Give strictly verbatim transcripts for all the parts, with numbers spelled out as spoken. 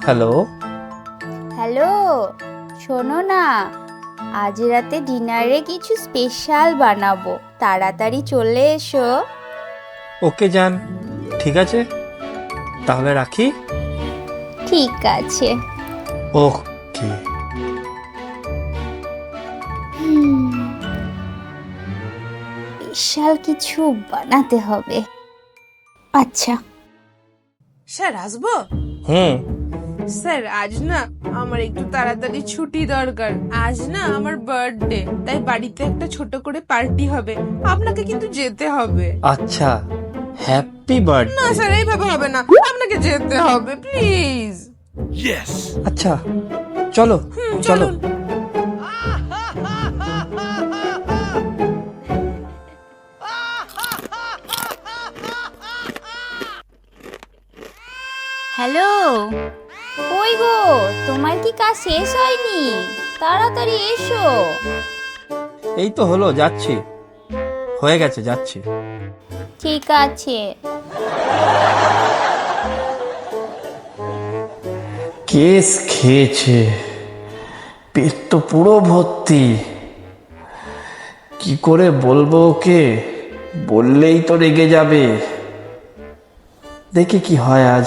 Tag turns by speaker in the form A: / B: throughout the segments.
A: Hello.
B: Hello, শোনো না, আজ রাতে ডিনারে কিছু স্পেশাল বানাবো, তাড়াতাড়ি চলে এসো।
A: ওকে জান, ঠিক আছে, তাহলে রাখি।
B: ঠিক আছে।
A: ওকে।
B: স্পেশাল কিছু বানাতে হবে। আচ্ছা।
C: স্যার আসবো?
A: হুম।
C: স্যার আজ না আমার একটু তাড়াতাড়ি ছুটি দরকার। আজ না আমার বার্থডে, তাই বাড়িতে একটা ছোট করে পার্টি হবে, আপনাকে কিন্তু যেতে হবে।
A: আচ্ছা, হ্যাপি
C: না
A: বার্থডে।
C: স্যার, এইভাবে হবে না, আপনাকে যেতে হবে প্লিজ।
A: আচ্ছা, চলো
C: হুম,
A: চলো।
C: চলুন।
B: হ্যালো, কই গো, তোমার কি কাজ শেষ হয়নি? তাড়াতাড়ি এসো।
A: এই তো হলো, যাচ্ছি, হয়ে গেছে, যাচ্ছি।
B: ঠিক আছে।
A: কেস খেয়েছে, পেট তো পুরো ভর্তি। কি করে বলবো ওকে? বললেই তো রেগে যাবে। দেখি কি হয় আজ।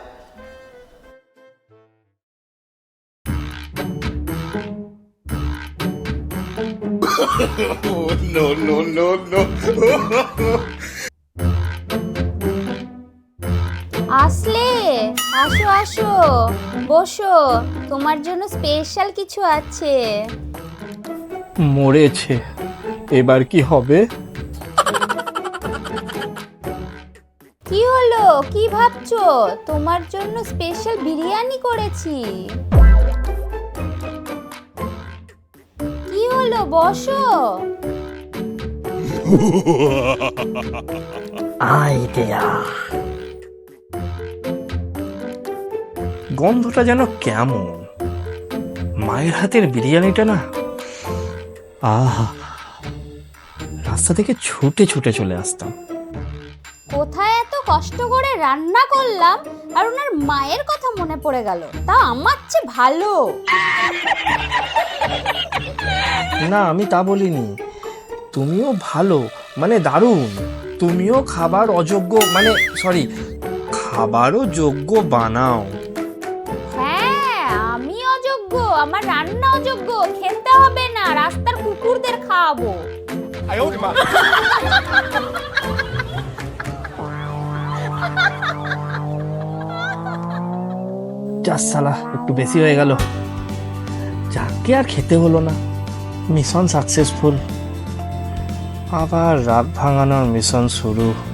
D: no, no, no, no.
B: আসলে আসো আসো, বসো, তোমার জন্য স্পেশাল কিছু আছে।
A: মরেছে, এবার কি হবে?
B: কি হলো, কি ভাবছো? তোমার জন্য স্পেশাল বিরিয়ানি করেছি। কি হলো, বসো।
A: আইডিয়া। গন্ধটা যেন কেমন, মায়ের হাতের বিরিয়ানিটা না। আহা, রাস্তা থেকে ছুটে ছুটে চলে আসতাম।
B: কোথায় এত কষ্ট করে রান্না করলাম, আর ওনার মায়ের কথা মনে পড়ে গেল, তা আমার চেয়ে ভালো।
A: না, আমি তা বলিনি। তুমিও ভালো, মানে দারুণ। তুমিও খাবার অযোগ্য, মানে সরি, খাবারও যোগ্য বানাও।
B: হ্যাঁ, আমি অযোগ্য, আমার রান্না অযোগ্য, খেতে হবে না, রাস্তার কুকুরদের খাওয়াবো।
A: যা সালা, একটু বেশি হয়ে গেল। যাকে আর খেতে হলো না। Mission successful. আবার রাত ভাঙানোর মিশন শুরু।